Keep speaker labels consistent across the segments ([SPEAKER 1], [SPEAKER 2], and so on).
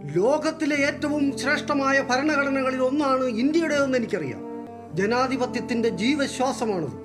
[SPEAKER 1] ലോകത്തിലെ ഏറ്റവും ശ്രേഷ്ഠമായ ഭരണഘടനകളിൽ ഒന്നാണ് ഇന്ത്യയുടേതെന്ന് എനിക്കറിയാം. ജനാധിപത്യത്തിന്റെ ജീവശ്വാസമാണത്.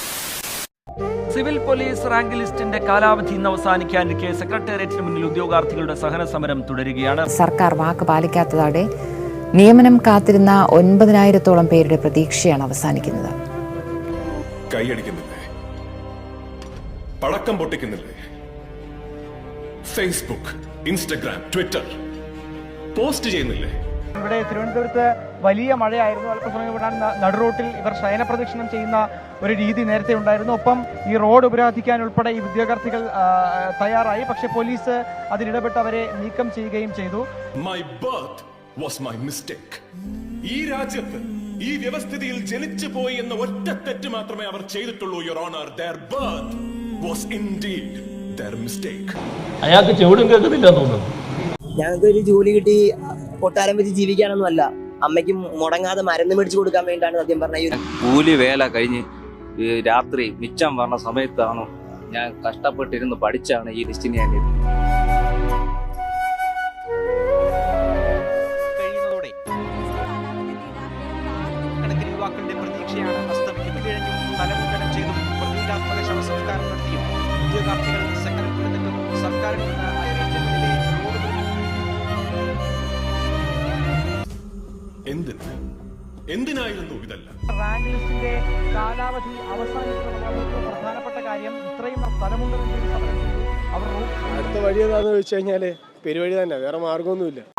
[SPEAKER 2] സിവിൽ പോലീസ് റാങ്ക് ലിസ്റ്റിന്റെ കാലാവധി ഇന്ന് അവസാനിക്കാനിരിക്കെ സെക്രട്ടേറിയറ്റിന് മുന്നിൽ ഉദ്യോഗാർത്ഥികളുടെ സഹന സമരം തുടരുകയാണ്.
[SPEAKER 3] സർക്കാർ വാക്ക് പാലിക്കാത്തതോടെ നിയമനം കാത്തിരുന്ന 9,000-ഓളം പേരുടെ പ്രതീക്ഷയാണ് അവസാനിക്കുന്നത്.
[SPEAKER 4] കൈയടിക്കുന്നില്ലേ, പടക്കം പൊട്ടിക്കുന്നില്ലേ, ഫേസ്ബുക്ക്, ഇൻസ്റ്റഗ്രാം, ട്വിറ്റർ പോസ്റ്റ് ചെയ്യുന്നില്ലേ?
[SPEAKER 5] ഇവിടെ തിരുവനന്തപുരത്ത് വലിയ മഴയായിരുന്നു. അല്പസമയം കൊണ്ടാണ് നടുറോട്ടിൽ ഇവർ ശയനപ്രദക്ഷിണം ചെയ്യുന്ന ഒരു രീതി നേരത്തെ ഉണ്ടായിരുന്നു. ഒപ്പം ഈ റോഡ് ഉപരോധിക്കാൻ ഉൾപ്പെടെ ഈ ഉദ്യോഗാർത്ഥികൾ തയ്യാറായി. പക്ഷേ പോലീസ് അതിലിടപെട്ട് അവരെ നീക്കം ചെയ്യുകയും ചെയ്തു.
[SPEAKER 4] My birth was my mistake. ഈ രാജ്യത്ത് ഈ വ്യവസ്ഥിതിയിൽ ജനിച്ചു പോയി എന്ന ഒറ്റ തെറ്റ് മാത്രമേ അവർ ചെയ്തിട്ടുള്ളൂ. Your honour, their birth was indeed their mistake.
[SPEAKER 6] അയാൾക്ക് ചെവിടും കേൾക്കുന്നില്ല തോന്നുന്നു.
[SPEAKER 7] ഞങ്ങൾക്ക് ഒരു ജോലി കിട്ടി കൊട്ടാരം വെച്ച് ജീവിക്കാനൊന്നും അല്ല, അമ്മയ്ക്ക് മുടങ്ങാതെ മരുന്ന് മേടിച്ചു കൊടുക്കാൻ വേണ്ടിയിട്ടാണ് സത്യം പറഞ്ഞ
[SPEAKER 8] കൂലി വേല കഴിഞ്ഞ് രാത്രി മിച്ചം പറഞ്ഞ സമയത്താണോ ഞാൻ കഷ്ടപ്പെട്ടിരുന്ന് പഠിച്ചാണ് ഈ ലിസ്റ്റിന് ഞാൻ
[SPEAKER 5] കഴിയുന്നതോടെ കണക്കിന് യുവാക്കളുടെ പ്രതീക്ഷയാണ് അസ്തമിക്കുന്നത്. തലമുണ്ടനം ചെയ്തും പ്രതീകാത്മക ശവസംസ്കാരം നടത്തിയും ഉദ്യോഗാർത്ഥികൾ സെക്രട്ടേറിയറ്റിലും സർക്കാരിൽ നിന്ന്
[SPEAKER 4] എന്തിനായിരുന്നു ഇതല്ല?
[SPEAKER 5] റാങ്ക് ലിസ്റ്റിന്റെ കാലാവധി അവസാനിക്കുന്ന പ്രധാനപ്പെട്ട കാര്യം ഇത്രയും തലമുണ്ടനം ചെയ്ത് സമരം ചെയ്തു. അവർ
[SPEAKER 9] അടുത്ത വഴി ഏതാണെന്ന് ചോദിച്ചു കഴിഞ്ഞാല് പെരുവഴി തന്നെ, വേറെ മാർഗമൊന്നുമില്ല.